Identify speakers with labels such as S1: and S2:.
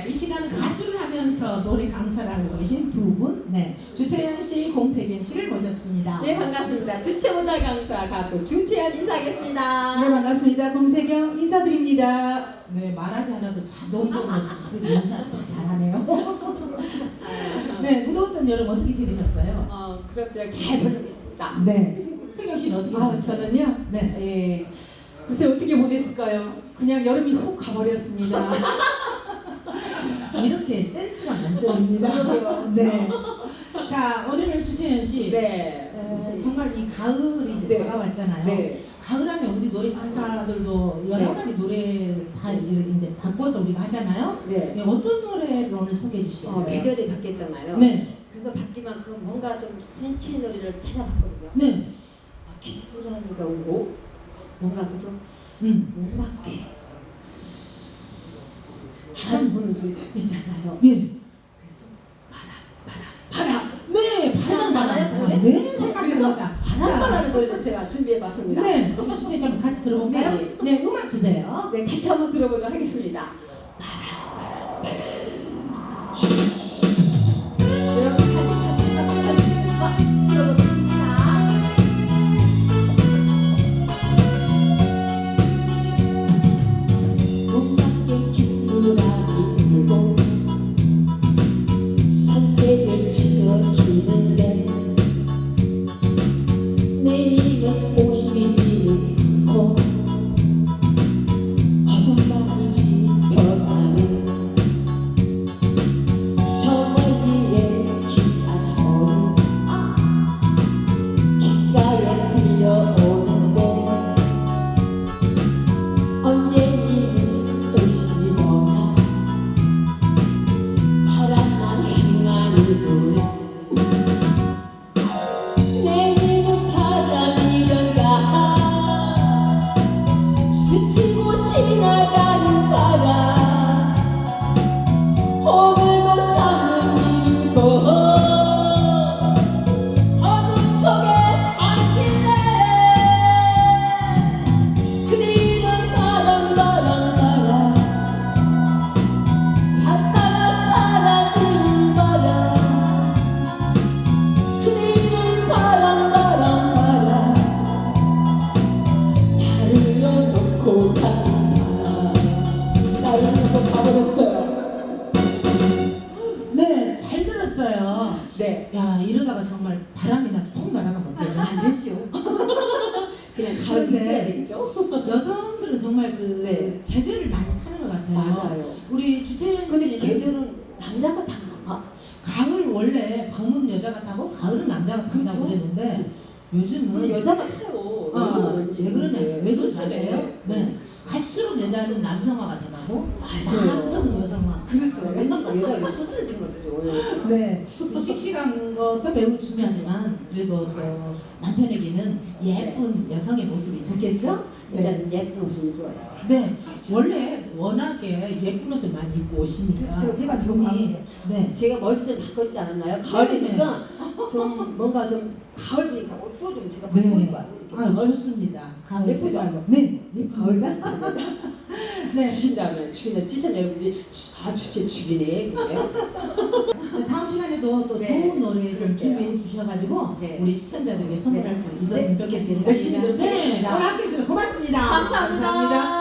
S1: 이 시간은 가수를 하면서 노래 강사를 하고 계신 두 분, 네, 주채연 씨, 공세경 씨를 모셨습니다.
S2: 네, 반갑습니다. 주체문화 강사 가수 주채연 인사하겠습니다.
S3: 네, 반갑습니다. 공세경 인사드립니다.
S1: 네, 말하지 않아도 자동적으로 자꾸 인사를 다 잘하네요. 네, 무더웠던 여름 어떻게 지내셨어요?
S2: 그럭저럭 잘 보내고 있습니다.
S3: 네.
S1: 세경 씨는 어떻게
S3: 아,
S1: 지내셨어요?
S3: 저는요?
S1: 네.
S3: 예. 글쎄 어떻게 보냈을까요? 그냥 여름이 훅 가버렸습니다.
S1: 이렇게 센스가 만점입니다.
S2: 그러게요.
S1: 네. 자, 오늘 주채연 씨,
S2: 네.
S1: 정말 이 가을이 이제
S2: 네.
S1: 다가왔잖아요.
S2: 네.
S1: 가을하면 우리 노래 강사들도 여러 가지 노래 다 이제 바꿔서 우리가 하잖아요.
S2: 네.
S1: 네, 어떤 노래를 오늘 소개해 주시겠어요?
S2: 계절이 바뀌었잖아요.
S1: 네.
S2: 그래서 바뀐 만큼 뭔가 좀 센치 노래를 찾아봤거든요.
S1: 네.
S2: 귀뚜라미가 오고 뭔가 그도 못 맞게 바람 부는 소리 있잖아요.
S1: 네.
S2: 그래서 바람.
S1: 네,
S2: 생각나나요,
S1: 바람.
S2: 노래?
S1: 네, 생각납니다.
S2: 바람바람의 노래를 제가 준비해봤습니다.
S1: 네, 우리 주제 좀 같이 들어볼까요?
S2: 네.
S1: 네, 음악 주세요.
S2: 네, 같이 한번 들어보도록 하겠습니다. 여러분 같이 박수 쳐주시면서 들어보겠습니다.
S4: 몸밖에 귀뚜라미 불고 산색을 지어주는데 내일은 오시지 않고 어둠만 짙어가는 저 멀리에 기타 소리 귓가에 들려오는데 언제는 오시거나 바람만 휘날이 부네 내일은 바람이던가 스치고 지나가는 바람 오늘도 잠을 이루고 어둠 속에 잠길래 그리는 바람 갔다가 사라지는 바람 그리는 바람 나를 놓고 가는 바람 나를 놓고 가버렸어요.
S1: 네, 잘 들었어요.
S2: 네.
S1: 야, 이러다가 정말 바람이 나서 폭 날아가면 어때요?
S2: 안 되죠. 그냥 가을
S1: 그런데
S2: 느껴야 되겠죠?
S1: 여성들은 정말 그
S2: 네.
S1: 계절을 많이 타는 것 같아요.
S2: 맞아요.
S1: 우리 주채연
S2: 근데
S1: 씨는
S2: 계절은 남자가 다 나가.
S1: 가을 원래 봄은 여자가 타고 가을은 남자가 탄다고
S2: 그렇죠.
S1: 그랬는데 요즘은
S2: 근데 여자가 타요.
S1: 왜 그러냐? 왜 그런지
S2: 소스네.
S1: 아세요? 네. 갈수록 여자는 남성화가 돼가고
S2: 맞아요.
S1: 남성은 여성화.
S2: 그렇죠. 옛날 여자가 소스진 거죠.
S1: 네. 씩씩한 것도 매우 중요하지만 그래도 또 남편에게는 예쁜 여성의 모습이 좋겠죠?
S2: 여자는 예쁜 옷을 입어요.
S1: 네. 원래 워낙에 예쁜 옷을 많이 입고 오시니까
S2: 그래서 제가
S1: 몸이 네.
S2: 제가 머리를 바꿔주지 않았나요? 가을이니까 좀 뭔가 좀 가을이니까 옷도 좀 제가 바꿔 입고 왔으니까.
S1: 아, 좋습니다. 가을
S2: 예쁘죠?
S1: 색깔로. 네.
S2: 가을 같은
S1: 네.
S2: 주신다면 죽이는 시청 여러분들이 주제 죽이네 그래요?
S1: 다음 시간에도 또
S2: 네.
S1: 좋은 노래 좀
S2: 그럴게요.
S1: 준비해 주셔가지고
S2: 네.
S1: 우리 시청자들에게 선물할
S2: 네.
S1: 수 있었으면
S2: 네.
S1: 좋겠습니다.
S2: 열심히
S1: 네,
S2: 노력하겠습니다.
S1: 오늘 함께 해주셔서 고맙습니다.
S2: 감사합니다.